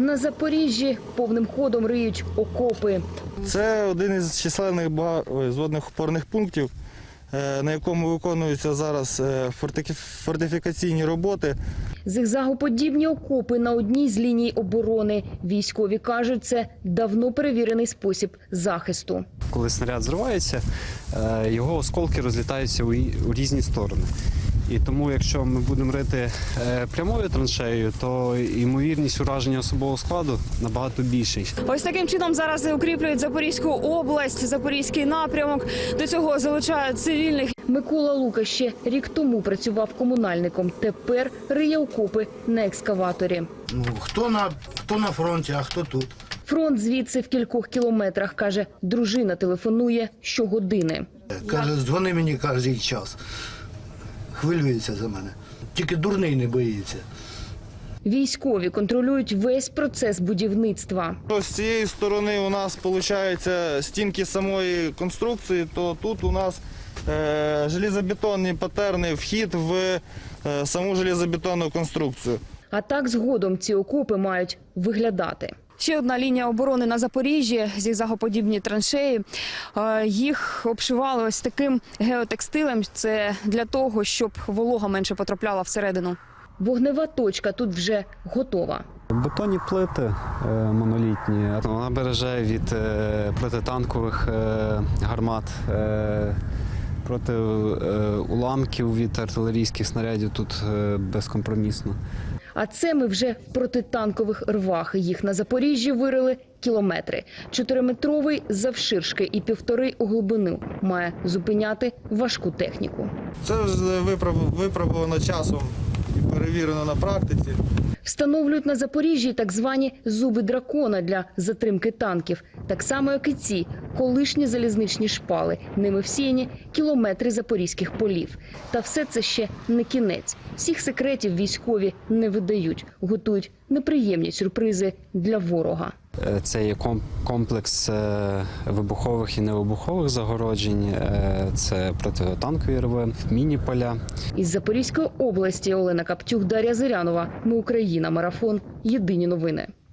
На Запоріжжі повним ходом риють окопи. Це один із численних зводних опорних пунктів, на якому виконуються зараз фортифікаційні роботи. Зигзагоподібні окопи на одній з ліній оборони. Військові кажуть, це давно перевірений спосіб захисту. Коли снаряд зривається, його осколки розлітаються у різні сторони. І тому, якщо ми будемо рити прямою траншеєю, то ймовірність ураження особового складу набагато більший. Ось таким чином зараз укріплюють Запорізьку область, Запорізький напрямок. До цього залучають цивільних. Микола Лука ще рік тому працював комунальником. Тепер риє окопи на екскаваторі. Хто на фронті, а хто тут. Фронт звідси в кількох кілометрах, каже. Дружина телефонує щогодини. Каже, дзвони мені кожен час. Хвилюється за мене. Тільки дурний не боїться. Військові контролюють весь процес будівництва. З цієї сторони у нас, виходить, стінки самої конструкції, то тут у нас железобетонні патерни, вхід в саму железобетонну конструкцію. А так згодом ці окопи мають виглядати. Ще одна лінія оборони на Запоріжжі, зігзагоподібні траншеї. Їх обшивали ось таким геотекстилем. Це для того, щоб волога менше потрапляла всередину. Вогнева точка тут вже готова. Бетонні плити монолітні. Вона береже від протитанкових гармат, проти уламків від артилерійських снарядів тут безкомпромісно. А це ми вже в протитанкових рвах. Їх на Запоріжжі вирили кілометри. 4-метровий завширшки і 1,5 у глибину. Має зупиняти важку техніку. Це вже випробовано часом і перевірено на практиці. Встановлюють на Запоріжжі так звані зуби дракона для затримки танків. Так само, як і ці колишні залізничні шпали. Ними всіяні кілометри запорізьких полів. Та все це ще не кінець. Всіх секретів військові не видають. Готують неприємні сюрпризи для ворога. Це є комплекс вибухових і невибухових загороджень, це протитанкові рви, міні-поля. Із Запорізької області Олена Каптюк, Дар'я Зирянова. Ми Україна. Марафон. Єдині новини.